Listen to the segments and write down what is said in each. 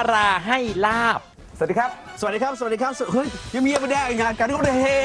ราให้ลาบสวัสดีครับสวัสดีครับ สวัสดีครับ เฮ้ยยังมีไม่ได้งานกันก็ได้เฮ้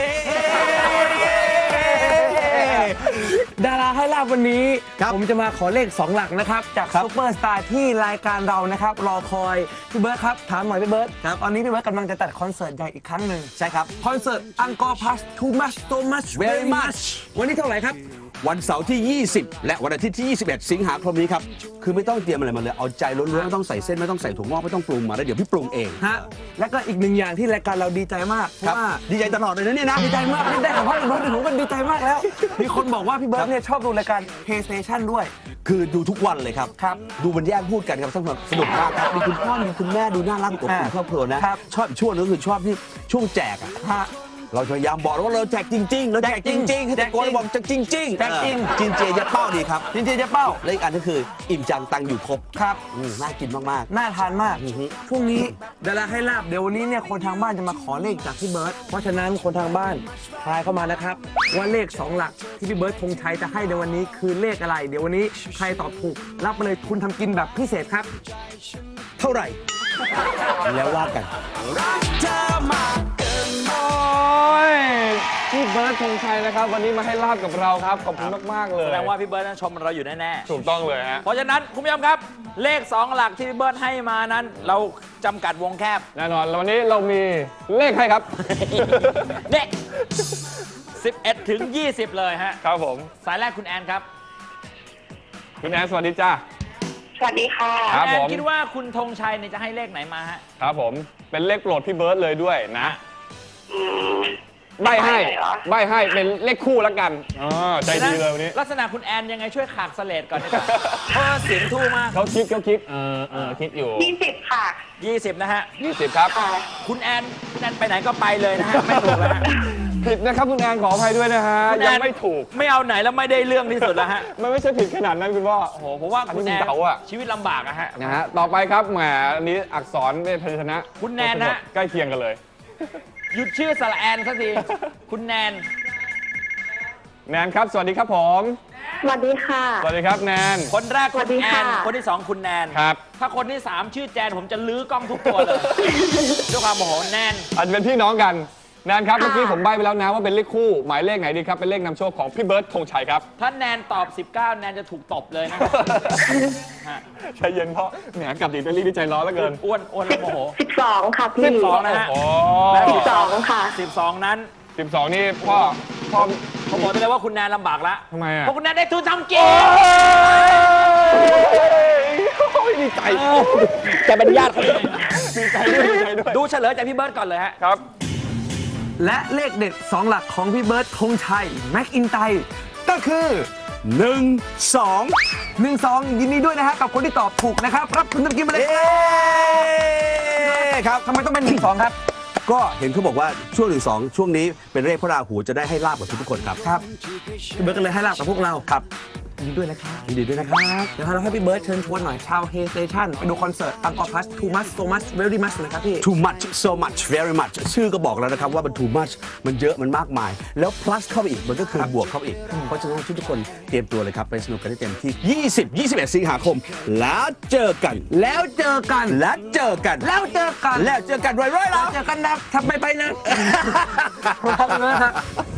ดาราให้ลาบวันนี้ผมจะมาขอเลข2 หลักนะครับจากซุปเปอร์สตาร์ที่รายการเรานะครับรอคอยพี่เบิร์ดครับถามหน่อยพี่เบิร์ดตอนนี้พี่เบิร์ดกำลังจะจัดคอนเสิร์ตใหญ่อีกครั้งหนึ่งใช่ครับคอนเสิร์ตอังกอร์พัส too much so much very much วันนี้เท่าไหร่ครับวันเสาร์ที่ 20 และวันอาทิตย์ที่ 21 สิงหาคมนี้ครับคือไม่ต้องเตรียมอะไรมาเลยเอาใจล้วนๆไม่ต้องใส่เส้นไม่ต้องใส่ถั่วงอกไม่ต้องปรุงมาแล้วเดี๋ยวพี่ปรุงเองฮะแล้วก็อีกหนึ่งอย่างที่รายการเราดีใจมากเพครับราะว่าดีใจตลอดเลยนะเนี่ยนะดีใจมากได้ของพ่อพี่เบิร์ดผมก็ดีใจมากแล้วมีคนบอกว่าพี่เบิร์ดเนี่ยชอบดูรายการ PlayStation ด้วยคือดูทุกวันเลยครับครับดูมันแย่งพูดกันครับสนุกมากครับมีคุณพ่อมีคุณแม่ดูน่ารักอบอุ่นครอบครัวนะครับ ชอบอีกช่วงนึงก็คือชอบที่ช่วงแจกอะฮะเราพยายามบอกว่าเราแจกจริงๆเราแจกจริงๆให้ตะโกนบอกแจกจริงๆแจกจริงจินเจยะเป้าดีครับจริงๆจะเป้าและอีกอันก็คืออิ่มจังตังอยู่ครบครับน่ากินมากน่าทานมากอือฮึช่วงนี้ดาราให้ลาบเดี๋ยววันนี้เนี่ยคนทางบ้านจะมาขอเลขจากพี่เบิร์ตเพราะฉะนั้นคนทางบ้านทายเข้ามานะครับว่าเลข2 หลักที่พี่เบิร์ตธงชัยจะให้ในวันนี้คือเลขอะไร เดี๋ยววันนี้ใครตอบถูกรับไปเลยทุนทำกินแบบพิเศษครับๆ เท่าไหร่ แล้วว่ากันพี่เบิร์ดธงชัยนะครับวันนี้มาให้ลาบกับเราครับขอบคุณมากๆเลยแสดงว่าพี่เบิร์ดนั้นชมเราอยู่แน่ถูกต้องเลยฮะๆเพราะฉะนั้นคุณผู้ชมครับเลข 2 หลักที่พี่เบิร์ดให้มานั้น เราจำกัดวงแคบแน่นอนแล้ววันนี้เรามีเลขให้ครับเนี่ย11 ถึง 20 เลยฮะครับผมสายแรกคุณแอนครับคุณแอนสวัสดีจ้าสวัสดีค่ะครับแอนผมคิดว่าคุณธงชัยเนี่ยจะให้เลขไหนมาฮะครับผมเป็นเลขโปรดพี่เบิร์ดเลยด้วยนะอืมใบให้เลยเหรอใบให้เป็นเลขคู่แล้วกันอ๋อใจดีเลยวันนี้ลักษณะคุณแอนยังไงช่วยขากเสลดก่อนดีกว่าเพราะว่าเสียงทู่มากเขาคิดคิดอยู่ 20 ค่ะ 20 นะฮะ 20ครับค่ะคุณแอนไปไหนก็ไปเลยนะฮะ ไม่ถูกแล้วฮะผิดนะครับคุณแอนขออภัยด้วยนะฮะคุณแอนยังไม่ถูกไม่เอาไหนแล้วไม่ได้เรื่องที่สุดแล้วฮะมันไม่ใช่ผิดขนาดนั้นคุณพ่อโอ้โหผมว่าคุณแอนอันนี้มันเดาอะชีวิตลำบากอะฮะนะฮะต่อไปครับแหมอันนี้อักษรเป็นพยัญชนะคุณแนนฮะใกล้เคียงกันเลยหยุดชื่อสระแอนสักที คุณแนนแนนครับ สวัสดีครับผมสวัสดีค่ะสวัสดีครับแนนคนแรกสวัคุสณดีแอค่ะน คนที่ 2 คุณแนนครับถ้าคนที่ 3 ชื่อแจนผมจะลื้อกล้องทุกตัวเลย ด้วยความโมโหแนนอาจจะเป็นพี่น้องกันแนนครับเมื่อกี้ผมใบ้ไปแล้วนะว่าเป็นเลขคู่ หมายเลขไหนดีครับ เป็นเลขนำโชคของพี่เบิร์ดธงชัยครับถ้าแนนตอบ 19 แนนจะถูกตบเลยนะ ฮะใจเย็นเพราะแหมกลับดีเตอรี่ที่ใจร้อนเหลือเกินอ้วนแล้วโมโห 12 ค่ะพี่ 12 นะฮะโอ้และ 12 ค่ะ 12 นั้น 12 นี่พ่อผมบอกได้เลยว่าคุณแนนลำบากละทำไมอ่ะเพราะคุณแนนได้ทุนทำกินโอ้ยดีใจจะเป็นญาติเขาเลยดีใจด้วยดีใจด้วยดูเฉลยจากพี่เบิร์ดก่อนเลยฮะครับและเลขเด็ด 2 หลักของพี่เบิร์ตธงชัยแม็กอินไตก็คือ 1 2 1-2 ยินดีด้วยนะฮะกับคนที่ตอบถูกนะครับ รับทุนทำกินมาเลยเอ๊ครับทำไมต้องเป็น1-2 ครับก็เห็นเขาบอกว่าช่วง1 2ช่วงนี้เป็นเลขพระราหูจะได้ให้ลาบกับทุกคนครับครับพี่เบิร์ตก็เลยให้ลาบกับพวกเราครับยินดีด้วยนะครับยินดีด้วยนะครับเดี๋ยวเราให้พี่เบิร์ตเชิญชวนหน่อยชาวเฮสเตชันไปดูคอนเสิร์ตอังกอร์พัส too much so much very much เลยครับพี่ too much so much very much ชื่อก็บอกแล้วนะครับว่ามัน too much มันเยอะมันมากมาย แล้ว plus เข้าไปอีกมันก็คือบวกเข้าไปอีก เพราะฉะนั้นทุกคนเตรียมตัวเลยครับ ไปสนุกกันให้เต็มที่ 20-21 สิงหาคม แล้วเจอกันแล้วเจอกันแล้วเจอกันแล้วเจอกันแล้วเจอกันร้อยๆแล้วเจอกันนะทำไปนะ ครับ